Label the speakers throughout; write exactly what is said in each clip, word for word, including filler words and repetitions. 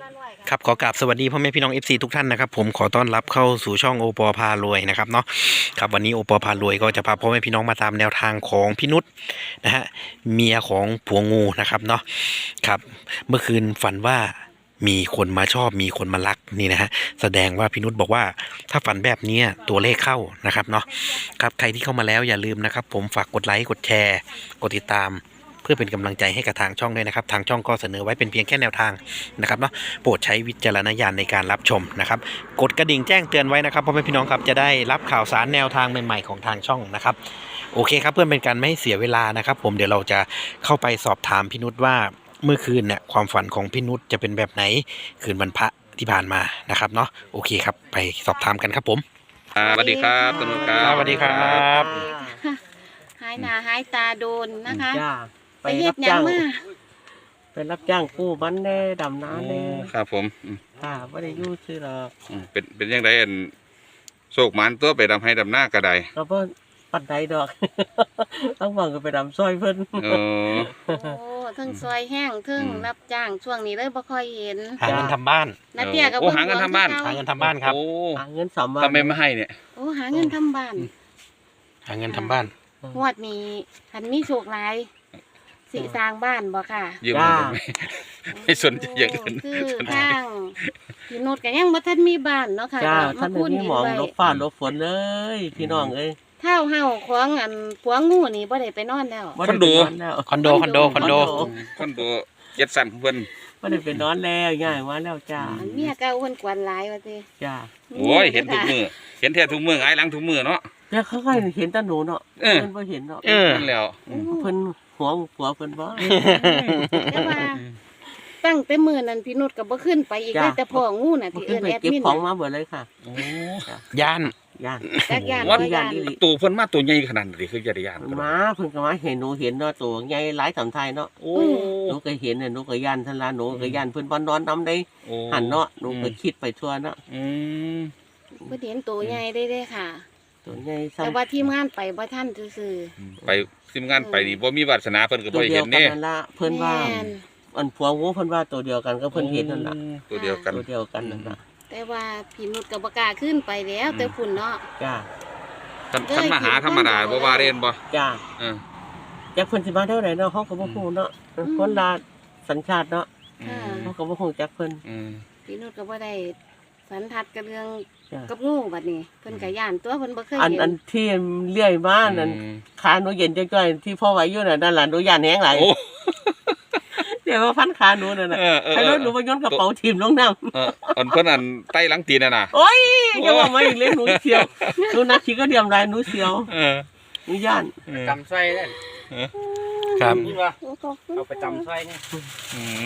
Speaker 1: ครับขอกราบสวัสดีพ่อแม่พี่น้อง เอฟ ซี ทุกท่านนะครับผมขอต้อนรับเข้าสู่ช่องโอปอพารวยนะครับเนาะครับวันนี้โอปอพารวยก็จะพาพ่อแม่พี่น้องมาตามแนวทางของพี่นุชนะฮะเมียของผัวงูนะครับเนาะครับเมื่อคืนฝันว่ามีคนมาชอบมีคนมารักนี่นะฮะแสดงว่าพี่นุชบอกว่าถ้าฝันแบบนี้ตัวเลขเข้านะครับเนาะครับใครที่เข้ามาแล้วอย่าลืมนะครับผมฝากกดไลค์กดแชร์กดติดตามเพื่อเป็นกำลังใจให้กับทางช่องด้วยนะครับทางช่องก็เสนอไว้เป็นเพียงแค่แนวทางนะครับเนาะโปรดใช้วิจารณญาณในการรับชมนะครับกดกระดิ่งแจ้งเตือนไว้นะครับพ่อแม่พี่น้องครับจะได้รับข่าวสารแนวทางใหม่ๆของทางช่องนะครับโอเคครับเพื่อเป็นการไม่ให้เสียเวลานะครับผมเดี๋ยวเราจะเข้าไปสอบถามพี่นุชว่าเมื่อคืนเนี่ยความฝันของพี่นุชจะเป็นแบบไหนคืนวันพระที่ผ่านมานะครับเนาะโอเคครับไปสอบถามกันครับผม
Speaker 2: สวัสดีครับตำรวจครับ
Speaker 1: สวัสดีครับ
Speaker 3: หายหน้าหายตาโดนนะคะ
Speaker 4: จ้า
Speaker 3: ไปเฮ็ดหยังมา
Speaker 4: ไปรับจ้างกู้มันแน่ดำน้ำแน่
Speaker 2: ครับผมอืม
Speaker 4: ค่ะไม่ได้อยู่ชื่อหรอก
Speaker 2: อืมเป็นเป็นยังไงอันโศกหมันตัวไปดำให้ดำหน้ากระได
Speaker 4: เราเพิ่นปัดใดดอก ต้องหวังก็ไปดำซอยเพิ่น
Speaker 2: เออ
Speaker 3: โอ้ทั้งซอยแห้งทั้ง
Speaker 2: อืม
Speaker 3: รับจ้างช่วงนี้เลยบ่ค่อยเห็น
Speaker 1: หาเงินทำบ้าน
Speaker 3: นาเตี้ยกับ
Speaker 2: โอ้หาเงินทำบ้าน
Speaker 1: หาเงินทำบ้านครับ
Speaker 2: โอ้
Speaker 4: หาเงินสามวัน
Speaker 2: ทำไมไม่ให้เนี่ย
Speaker 3: โอ้หาเงินทำบ้าน
Speaker 1: หาเงินทำบ้าน
Speaker 3: งวดนี้หันมีโชคหลายสิสร้างบ้านบ่ค่ะ
Speaker 2: ยืมเงินได้ไหม ไม่สนใจอย่างอื่น
Speaker 3: โคือทางพี่นุชก็ยังบ่ทันมีบ้านเนาะค่ะ
Speaker 4: จ้า
Speaker 3: ก็
Speaker 4: ท่าน
Speaker 3: พู
Speaker 4: นี้
Speaker 3: ดิ
Speaker 4: หมอง
Speaker 3: ไว้
Speaker 4: ลบฟ้าลบฝนเลยพี่น้องเอ้ย
Speaker 3: เท่าเฮาของอันผัวงูนี่บ่ได้ไปนอนแล้ว
Speaker 4: บ่ได้ไปนอนแล้ว
Speaker 1: คอนโดคอนโดคอนโด
Speaker 2: คนตัวเจ็ดสันของเพิ่น
Speaker 4: ไม่ได้ไปนอนแล้วง่ายมาแล้วจ้า
Speaker 3: อันเมียเก่าเพิ่นกวนหลายว่าติ
Speaker 4: จ้า
Speaker 2: โอ้ยเห็นทุกมือเห็นแท้ทุกมือไงายหลังทุกมือเนาะ
Speaker 4: แต่เขาก็เห็นแตาหนูเนาะ
Speaker 2: เออ
Speaker 4: เพิ่นบ่เห็นเนาะ
Speaker 1: เออ
Speaker 2: นั่นแล้ว
Speaker 3: อืม
Speaker 4: เพิ่นหัวผัวเพิ่นบ่
Speaker 3: แต่ว่าตั้งแต่มื้อนั้นพี่นุชก็บ่ขึ้นไปอีกเลยแต่พ่องูน่ะ
Speaker 4: บ่
Speaker 3: ที่
Speaker 4: ขึ้
Speaker 3: เอิ้
Speaker 4: น
Speaker 3: น
Speaker 4: ไป
Speaker 3: แอด
Speaker 4: เก็บ
Speaker 3: มิน
Speaker 4: ของมาเบิดเลยค่ะ
Speaker 2: โอ้
Speaker 1: ย่าน
Speaker 4: ย่าน
Speaker 3: จักยาน
Speaker 2: วัด
Speaker 3: บ่ยาน
Speaker 2: ตัวเพิ่นมาตัวใหญ่ขนาดนี้คือจะได้ยาน
Speaker 4: มาเพิ่นก็มาเห็นหนูเห็นเนาะตัวใหญ่หลายสำไทยเนาะ
Speaker 2: โอ้
Speaker 4: หนูก็เห็นน่ะหนูก็ย่านทันละหนูก็ย่านเพิ่นบ่นอนนำได้
Speaker 2: โอ้
Speaker 4: หันเนาะหนูก็คิดไปทั่วเนาะ
Speaker 2: อืม
Speaker 3: เพิ่นเห็นตัวใหญ่ได้เด้ค่ะ
Speaker 4: ตัวใหญ่
Speaker 3: แต่
Speaker 4: ซ้ำ
Speaker 3: ว่าทีมงานไปบ่ทันซื่อ
Speaker 2: ไปทีมงานไปนี่บ่มีวาสนาเพิ่นก็
Speaker 4: ตั
Speaker 2: บ่
Speaker 4: ว
Speaker 2: ได้
Speaker 4: เดีย
Speaker 2: เห็
Speaker 4: วน กัน
Speaker 2: เด้
Speaker 4: นั่นละ
Speaker 3: ๆ
Speaker 4: เพิ่นว่า
Speaker 3: แม่น
Speaker 4: อันผัวงูเพิ่นว่าตัวเดียวกันก็เพิ่นเห็นนั่นล่ะ
Speaker 2: ตัวเดียวกัน
Speaker 4: ตัวเดียวกันนั่นล่ะ
Speaker 3: แต่ว่าพี่นุชก็บ่กล้าขึ้นไปแล้วแต่ฝุ่นเนาะ
Speaker 4: จ้า
Speaker 2: ท่านท่านมาหาธรรมดาบ่ว่าเรียนบ่
Speaker 4: จ้า
Speaker 2: เออ
Speaker 4: จักเพิ่นสิมาเท่าไหร่เนาะเฮาก็บ่ฮู้เนาะคนละสัญชาติเนาะ
Speaker 3: ค่ะ
Speaker 4: เฮาก็บ่ฮู้จักเพิ่น
Speaker 2: อืม
Speaker 3: พี่นุชก็บ่ได้สันทัดกับเรื่อง
Speaker 4: จ้า
Speaker 3: กับงูบัดนี้เพิ่นก็ย่านตัวเพิ่นบ่เคย
Speaker 4: อัน
Speaker 3: เห็
Speaker 4: อั
Speaker 3: น
Speaker 4: นที่เลื่อยมานั่น
Speaker 2: อืม
Speaker 4: ขาหนูเย็นจ้อยๆที่พ่อไว้อยู่น่ะนั่นล่ะหนูย่านแฮงหลาย
Speaker 2: โอ้
Speaker 4: เดี๋ยวว่าพันขาหนูนั่นน่ะ
Speaker 2: เออเออ
Speaker 4: ไอ้รถหนูไปย้อนกระเป๋าทิ่มลงน้ำ
Speaker 2: เอออันเพิ่นอันใต้หลังตีนน่ะน่ะ
Speaker 4: โอ้ยจะว่าไม่เล่นหนูเสียวหนูนักขี่ก็เดียมลายหนูเสียว
Speaker 2: เออ
Speaker 4: หนูย่าน
Speaker 5: จำไส้ได้
Speaker 1: ครับ
Speaker 5: นี่ว่า
Speaker 3: โอ้ขอบคุณ
Speaker 5: เอาไปจำไส้นี่
Speaker 2: อืม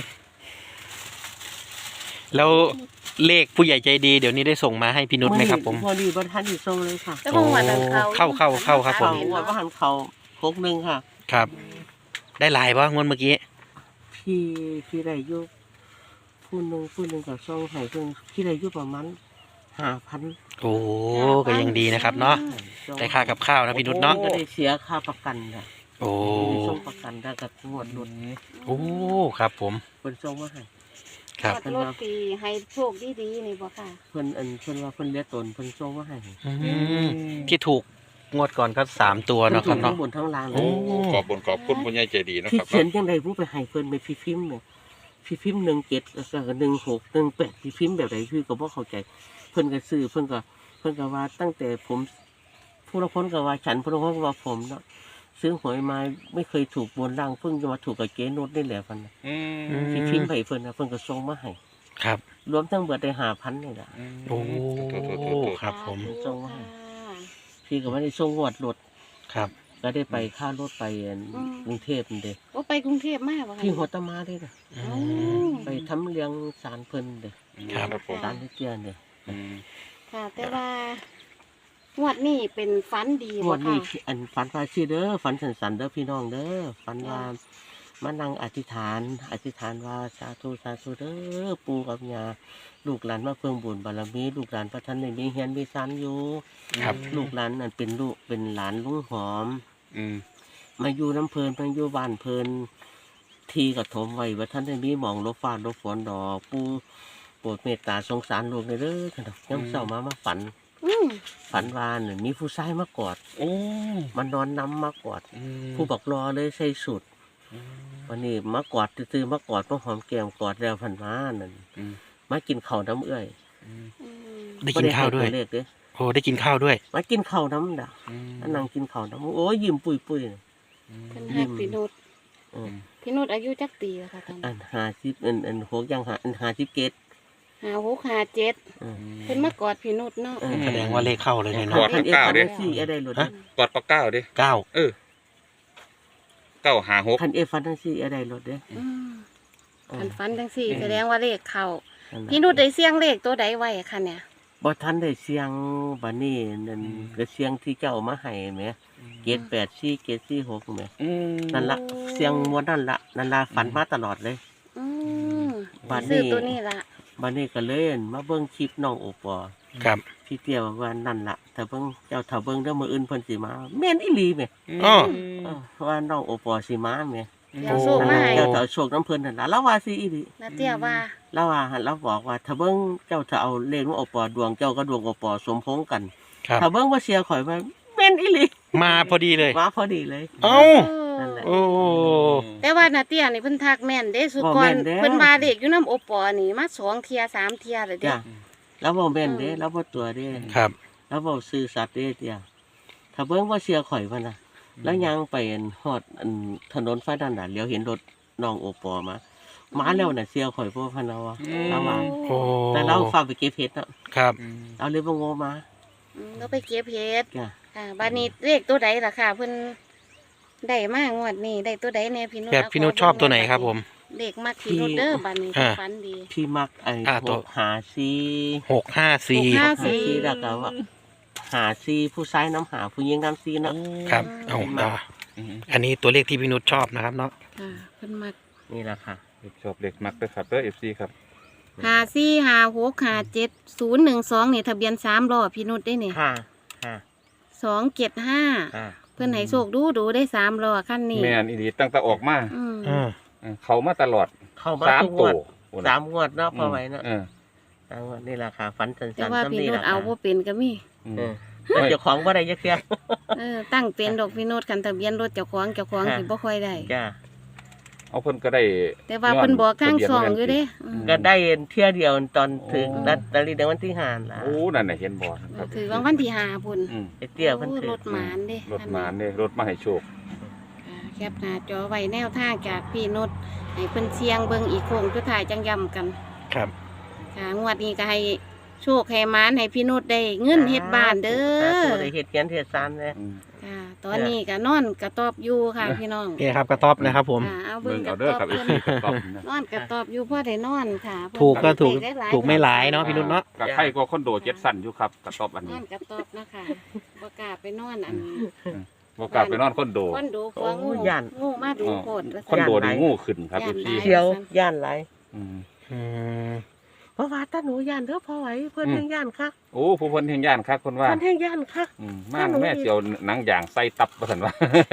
Speaker 1: แล้วเลขผู้ใหญ่ใจดีเดี๋ยวนี้ได้ส่งมาให้พี่นุชไหมครับผม
Speaker 4: พอดีบรทันอยู่ทรงเลยค่ะ
Speaker 3: แต่ว่าวันนั้นเขา
Speaker 1: เข้าเข้าเข้าครับผม
Speaker 4: เขาว่าว่าหันเขาโคกหนึ่งค่ะ
Speaker 1: ครับ ได้หลายป่ะงวดเมื่อกี้
Speaker 4: พี่พี่ได้อยุผู้หนึ่งผู้หนึ่งกับซองไห้เพิ่งพี่ได้อยุประมาณห้าพัน
Speaker 1: โอ้ก็ยังดีนะครับเนาะได้ค่ากับข้าวนะพี่นุชเนาะ
Speaker 4: ก็ได้เสียค่าประกันค่ะ
Speaker 1: โอ้
Speaker 4: ได้ส่งประกันได้กับงวดรถ
Speaker 1: โอ้ครับผม
Speaker 4: เพิ่นส่งมาให้
Speaker 1: ครับ
Speaker 3: รถรถปีให้โชคดีๆนี่บ่ค่ะ
Speaker 4: เพิ่นอันเพิ่นว่าเพิ่นเลี้ยงตนเพิ่นส่งมาให้
Speaker 1: อืมที่ถูกงวดก่อนก็สามตัว
Speaker 4: เพิ่น
Speaker 1: เนาะค
Speaker 4: ถู
Speaker 1: รับ
Speaker 4: กทั้
Speaker 1: เนาะ
Speaker 4: งบนทั้งล่างเล
Speaker 1: โอ้
Speaker 4: ย
Speaker 2: ขอบบนขอบคุณผู้ใหญ่ใจดีนะ
Speaker 4: พี่
Speaker 2: ครับ
Speaker 4: เขียนยังไงรู้ไปให้เพิ่นไปพี่พิมพ์เนี่ยพี่พิมพ์หนึ่งเจ็ดแล้วก็หนึ่งหกหนึ่งแปดพี่พิมพ์แบบไหนพี่ก็บ่เข้าใจ เพิ่นก็ซื้อเพิ่นก็เพิ่นก็ว่าตั้งแต่ผมผู้ละคนก็ว่าฉันผู้ละคนก็ว่าผมเนาะซื้อหวยมาไม่เคยถูกบนล่างเพิ่งจะมาถูกกับเจ๊นุชนี่แหละเพิ่นน่ะ
Speaker 2: อืม
Speaker 4: พี่พิมพ์ให้เพิ่นนะเพิ่นก็ส่งมาให้
Speaker 1: ครับ
Speaker 4: รวมทั้งเบิดได้ห้าพันนี่แหละ
Speaker 1: โอ้
Speaker 2: โถโถโถโถ
Speaker 1: ครับผม
Speaker 4: ส่งมาให้ พี่ก็ไม่ได้ส่งงวดรถ
Speaker 1: ครับ
Speaker 4: ก็ได้ไปค่ารถไปอันกรุงเทพนี่เด้
Speaker 3: โอ้ไปกรุงเทพมาบ่ค่ะ
Speaker 4: พี่หัวตะมาเด้น่ะ
Speaker 1: อื
Speaker 3: อ๋อ
Speaker 1: ม
Speaker 4: ไปทำเลี้ยงศาลเพิ่นเด้
Speaker 2: ครับผม
Speaker 4: ศาลที่เจียนเด้
Speaker 2: อืม
Speaker 3: ค่ะ แต่ว่างวดนี้เป็นฝันดี
Speaker 4: ง
Speaker 3: บ่
Speaker 4: วดนี้
Speaker 3: ค่ะ
Speaker 4: อันฝันว่าชื่อเด้อฝันสันๆเด้อพี่น้องเด้อฝันว่ามานั่งอธิษฐาน อธิษฐานว่าสาธุสาธุเด้อปู่กับย่าลูกหลานมาเพิ่งบุญบารมีลูกหลานพระท่านในมีเฮียนมีซันอยู่
Speaker 1: ครับ
Speaker 4: ลูกหลานนั่นเป็นลูกเป็นหลานลุงหอม
Speaker 2: อืม
Speaker 4: มาอยู่น้ำเพลินมาอยู่บ้านเพลินทีก็ถมไว้ว่าท่านได้มีหมองลบฟ้าลบฝนดอกปูโปรดเมตตาสงสารลูกในเด้อท่านดอกย่ำเศร้ามามาฝัน
Speaker 3: อืม
Speaker 4: ฝันวาเนี่ยมีผู้ชายมากอด
Speaker 2: โอ้
Speaker 4: มันนอนน้ำมากอด
Speaker 2: อืม
Speaker 4: ผู้บอกรอเลยใส่สุด
Speaker 2: อืม
Speaker 4: วันนี้มากอดตื้อๆมากอดมาหอมแก้มกอดแล้วพันมานั่น
Speaker 2: อืม
Speaker 4: มากินข้าวน้ำเอื้อย
Speaker 2: อืม
Speaker 3: อืม
Speaker 1: ได้กินข้าวด้วย
Speaker 4: บ่ไให้ตัเลขเด้อ
Speaker 1: โอ้ได้กินข้าวด้วย
Speaker 4: มากินข้าวน้ำด่ะ
Speaker 2: อืม
Speaker 4: นั่งกินข้าวน้ำโอ้ยยิ้มปุยปุยๆน่ะ
Speaker 3: เพิ่นฮักพี่นุช
Speaker 4: เออ
Speaker 3: พี่นุชอายุจักปีแล้วค่ะตอน
Speaker 4: อั
Speaker 3: นี้
Speaker 4: นหาสิบอันอันหกยังหาอันหาสิบเกต
Speaker 3: ห้าหกห้าเจ็ด
Speaker 4: เออ
Speaker 3: เพิ่นมากอดพี่นุชเนาะ
Speaker 4: เออ
Speaker 1: แสดงว่าเลขเข้าเลยเนี่ย
Speaker 2: ก
Speaker 1: เนาะ
Speaker 2: อดทั้งเก้าเด้
Speaker 4: สี่อะไรหลุด
Speaker 1: ฮะ
Speaker 2: กอดปากเก้าดิ
Speaker 1: เก้า
Speaker 2: เออเก้าหาหก
Speaker 4: คันเอฟันทั้งสี่อะไรหลุดเด้อ
Speaker 3: อืม
Speaker 4: เออ
Speaker 3: คันฟันจังสี่ แสดงว่าเลขเข้า
Speaker 4: นั่นล่ะ
Speaker 3: พี่นุชได้เสียงเลขตัวใดไว้ค่ะเนี่ย
Speaker 4: บ่ทันได้เสียงบัดนี้นั่นก็เสียงที่เจ้ามาให้แหมเกตแปดสี่เกตสี่หกแหม
Speaker 2: อืม
Speaker 4: นั่นละเสียงมวนนั่นละนั่นละฝันมาตลอดเลย
Speaker 3: อืม
Speaker 4: บัดนี้
Speaker 3: ซื้อตัวนี้ละ
Speaker 4: บัดนี้ก็เลยอั่นมาเบิ่งคลิปน้องโอปอ
Speaker 1: ครับ
Speaker 4: พี่เตี้ยบอกว่านั่นละถ้าเบิ่งเจ้าถ้าเบิ่งเด้อมื้ออื่นเพิ่นสิมาแม่นอีหลีแหม
Speaker 1: อ้อ
Speaker 4: เออเพราะว่าน้องโอปอสิมาแหม
Speaker 3: เดี๋ยวโชค
Speaker 4: นั่น
Speaker 3: มา
Speaker 4: ล่ะ
Speaker 3: ให้
Speaker 4: เจ้าถ้าเอาโชคน้ำเพิ่นนั่นล่ะแล้วว่าสิอีหลี
Speaker 3: นาเตี้ยว่า
Speaker 4: แล้วว่าหั่นเราบอกว่าถ้าเบิ่งเจ้าถ้าเอาเลขของโอปอดวงเจ้าก็ดวงโอปอสมพงษ์กัน
Speaker 1: ครับ
Speaker 4: ถ้าเบิ่งว่าเสียข่อยว่าแม่นอีหลี
Speaker 1: มาพอดีเลย
Speaker 4: มาพอดีเลย
Speaker 1: เอ้า
Speaker 4: นั่นแหละ
Speaker 1: โอ้
Speaker 3: แต่ว่านาเตี้ยนี่เพิ่นทักแม่นเด้สุ
Speaker 4: บ่
Speaker 3: ก
Speaker 4: แม่
Speaker 3: ร
Speaker 4: นเด้อ
Speaker 3: เพิ่นว่าเด็กอยู่น้ำโอปอนี่มาสองเทียสามเทียเลยเด้
Speaker 4: จ้ะแล้วบ่แม่นเด้
Speaker 3: อืม
Speaker 4: แล้วบ่ตัวเด้
Speaker 1: ครับ
Speaker 4: แล้วบ่ซื่อสัตย์เด้เตี้ยถ้าเบิ่งว่าเสียข่อยว่าน่ะแล้วยังไปอันฮอดอันถนนไฟด้านน่ะเลี้ยวเห็นรถน้องโอปอมา มาแล้วน่ะเสียข่อยบ่พันเอาอะแล้วว่า
Speaker 1: โอ้
Speaker 4: แต่เราฝากไปเก็บเห็ดเนาะ
Speaker 1: ครับ
Speaker 4: เอาเลยบ่งอมา
Speaker 3: อืมเราไปเก็บเห็ด
Speaker 4: จ้ะ
Speaker 3: ค่ะบานี้เลขตัวใดล่ะค่ะเพิ่นได้มากงวดนี้ได้ตัวใดแน่พี่นุช
Speaker 1: แบบพี่นุชชอบตัวไหนครับผม
Speaker 3: เลขมักพี่นุชเด้อบานี้
Speaker 1: อ่า
Speaker 3: ฝันดี
Speaker 4: พี่มักไอ้
Speaker 1: อ่า
Speaker 4: พ
Speaker 1: ตัว
Speaker 4: วกหาซี
Speaker 1: หกห้าสี่
Speaker 3: หกห้า
Speaker 4: หาซีแล้วก็ว่าหาซีผู้ชายน้ำหาผู้หญิงน้ำซีเนาะ
Speaker 1: ครับเอ้าอ่าอันนี้ตัวเลขที่พี่นุชชอบนะครับเนาะ
Speaker 3: ค่ะเพิ่นมัก
Speaker 4: นี่แหละค่ะ
Speaker 2: ชอบเด็กมักด้วยครับเด้อเอฟซีครับ
Speaker 3: ห้าสี่ห้าหกห้าเจ็ดศูนย์หนึ่งสองนี่ทะเบียนสามล้อพี่นุชได้นี่
Speaker 4: ค่ะค่ะ
Speaker 3: สองเจ็ดห้า
Speaker 4: ค่ะ
Speaker 3: เพิ่นให้โชคดูดูได้สามล้อขั้นนี้
Speaker 2: แม่นอีดีตั้งแต่ออกมา
Speaker 3: อืม
Speaker 1: อืม
Speaker 2: เออเขามาตลอด
Speaker 4: เข้ามา
Speaker 2: สาม
Speaker 4: ทุกง
Speaker 2: ตัว ว
Speaker 4: ดสามงวดเนาะพอไหวเนาะ
Speaker 2: เออ
Speaker 4: สามงวดนี่แหละค่ะฝันสั
Speaker 3: แต่
Speaker 4: นๆ
Speaker 3: ว่า
Speaker 4: ซ้ำ
Speaker 3: พี่
Speaker 4: นี่
Speaker 3: นุ
Speaker 4: แห
Speaker 3: ช
Speaker 4: ละ
Speaker 3: เอา
Speaker 4: ค่ะ
Speaker 3: บ่เป็นก็มี
Speaker 2: อืม
Speaker 4: เออแต่เจ้าของบ่ได้ยักเสีย
Speaker 3: เออตั้งเป็นดอกพี่นุชคันทะเบียนรถเจ้าของเจ้าของ
Speaker 4: ค่ะ
Speaker 3: สิบ่ค่อยได้
Speaker 4: จ้า
Speaker 2: เอาเพิ่นก็ได้
Speaker 3: แต่ว่าเพิ่นบอกทางสองอยู่เด้อืม
Speaker 4: ก็ได้เที่ยวเดียวตอนถึง
Speaker 2: โอ้
Speaker 4: ลอตเตอรี่ในวันที่ห้าล่ะ
Speaker 2: โอ้นั่นน่ะเห็นบ่ครับ
Speaker 3: ถือรางวัลที่ห้าพุ่น
Speaker 2: อืม
Speaker 4: ไอ้เตี้ยเพิ่น
Speaker 3: โอ้
Speaker 4: ถือ
Speaker 3: รถหมานเด้
Speaker 2: รถมาเนี่ยรถมาให้โชค
Speaker 3: อ่าแคปหน้าจอไว้แนวทางจากพี่นุชให้เพิ่นเสียงเบิ่งอีกโค้งสุดท้ายจังย้ำกัน
Speaker 1: ครับ
Speaker 3: ค่ะงวดนี้ก็ให้โชคให้หมานให้พี่นุชได้เงินเฮ็ดบ้านเด้
Speaker 4: สา
Speaker 3: อ
Speaker 4: ธุได้เฮ็ดเขียนเฮ็ดซานเลย
Speaker 2: อืม
Speaker 3: ค่ะตอนนี้ก็นอนกระตอบอยู่ค่ะพี่น้อง
Speaker 1: นี่ครับกระต๊อบนะครับผม
Speaker 3: ค่ะเอา
Speaker 2: เบิ่
Speaker 3: เบิ่
Speaker 2: ง
Speaker 3: งก
Speaker 2: เอา
Speaker 3: ระ
Speaker 2: เด้อ
Speaker 3: ตอบ
Speaker 2: ครับเอฟ
Speaker 3: เพิ่น
Speaker 2: ซีครับนะ
Speaker 3: นอนกระตอบอยู่พ่อได้นอนค่ะ
Speaker 1: ถูกก็ถูก
Speaker 3: ได้หลาย
Speaker 1: ถูกไม่หลายเนาะพี่นุชเนาะ
Speaker 2: กับไข่ก็คอนโดเจ็ดสั้นอยู่ครับกระต๊อบอัน
Speaker 3: น
Speaker 2: นี้
Speaker 3: อนกระตอบนะคะบ่กล้าไปนอนอัน
Speaker 2: บ่กล้าไปนอนคอนโด
Speaker 3: คอนโดกลัวงูงูมาดูโคตรว่า
Speaker 2: คอนโดนี่งูขึ้นครับเอฟซี
Speaker 4: เที่ยวย่านหลาย
Speaker 2: อืม
Speaker 1: อืม
Speaker 4: เพราะว่าตาหนูย่านเด้อพอไหวเพิ่น
Speaker 2: อืม
Speaker 4: แห่งย่านคัก
Speaker 2: โอ้ผู้เพิ่นเฮงย่านคักคนว่า
Speaker 4: เพิ่นแห่งย่านคัก
Speaker 2: อืมมาแม่เสียวหนังอย่างใส่ตับว่าซั่นว่า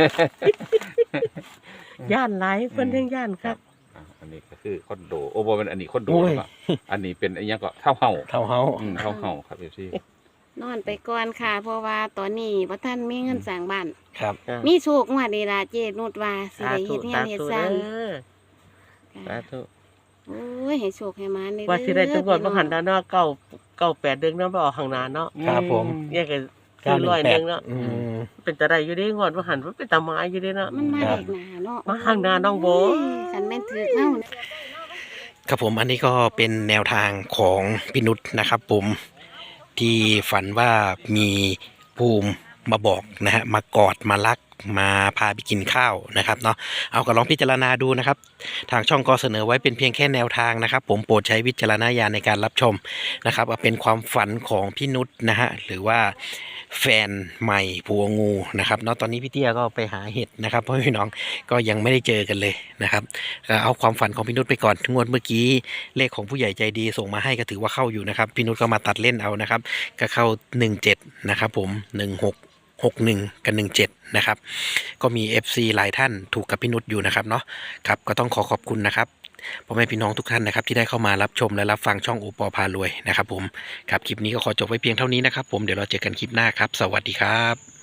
Speaker 4: ย่านหลายเพิ่นแห่งย่านคัก
Speaker 2: อ่ะอันนี้ก็คือคอนโดโอ้บ่เป็นอันนี้คอนโดหรือเปล่าอันนี้เป็นอันยังก็เท่าเฮา
Speaker 1: เท่าเฮา
Speaker 2: อืมเท่าเฮาครับเอฟซี
Speaker 3: นอนไปก่อนค่ะ เพราะว่าตอนนี้บ่ทันมีเงินสร้างบ้าน
Speaker 1: ครับ
Speaker 4: จ้ะ
Speaker 3: มีโชคงวดนี้ล่ะเจนุชว่าสิ
Speaker 4: สา
Speaker 3: ได้
Speaker 4: ธุ
Speaker 3: เฮ็ดงา
Speaker 4: สาน
Speaker 3: เฮ็ด
Speaker 4: ธุ
Speaker 3: สร้าง
Speaker 4: เด้อสาธุ
Speaker 3: โอ้ยให้โชคให้หมาได้
Speaker 4: ว่าสิได้ทุกคนบ่หัน
Speaker 3: ด้
Speaker 4: ด้านเนาะเก้าเก้าแปดเดือนเนาะบ่ออกข้างหน้าเนาะ
Speaker 1: ครับผม
Speaker 4: แยกกัน
Speaker 1: เก้า
Speaker 4: คือ
Speaker 1: หนึ่
Speaker 4: ร้อย
Speaker 1: งแป
Speaker 4: หนึ
Speaker 1: ด
Speaker 4: งเนาะ
Speaker 1: อืม
Speaker 4: เป็นตาได้อยู่เด้งวดบ่หันว่าเป็นตาไม้อยู่เด้เนาะ
Speaker 3: มันมา
Speaker 1: ครับ
Speaker 3: เด็กหนาเนาะ
Speaker 4: มาข้างหน้าน้องโบ
Speaker 3: คันแม่นถือเอ้า
Speaker 1: ครับผมอันนี้ก็เป็นแนวทางของพี่นุชนะครับผมที่ฝันว่ามีภูมิมาบอกนะฮะมากอดมารักมาพาไปกินข้าวนะครับเนาะเอาก็ลองพิจารณาดูนะครับ ทางช่องก็เสนอไว้เป็นเพียงแค่แนวทางนะครับ ผมโปรดใช้วิจารณญาณในการรับชมนะครับเอาเป็นความฝันของพี่นุชนะฮะหรือว่าแฟนใหม่ผัวงูนะครับเนาะตอนนี้พี่เตี้ยก็ไปหาเห็ดนะครับเพราะพี่น้องก็ยังไม่ได้เจอกันเลยนะครับก็เอาความฝันของพี่นุชไปก่อนงวดเมื่อกี้เลขของผู้ใหญ่ใจดีส่งมาให้ก็ถือว่าเข้าอยู่นะครับพี่นุชก็มาตัดเล่นเอานะครับก็เข้าหนึ่งเจ็ดนะครับผมหนึ่งหกหกหนึ่งกับหนึ่งเจ็ดนะครับก็มี เอฟ ซี หลายท่านถูกกับพี่นุชอยู่นะครับเนาะครับก็ต้องขอขอบคุณนะครับพ่อแม่พี่น้องทุกท่านนะครับที่ได้เข้ามารับชมและรับฟังช่องโอปอพารวยนะครับผมครับคลิปนี้ก็ขอจบไว้เพียงเท่านี้นะครับผมเดี๋ยวเราเจอกันคลิปหน้าครับสวัสดีครับ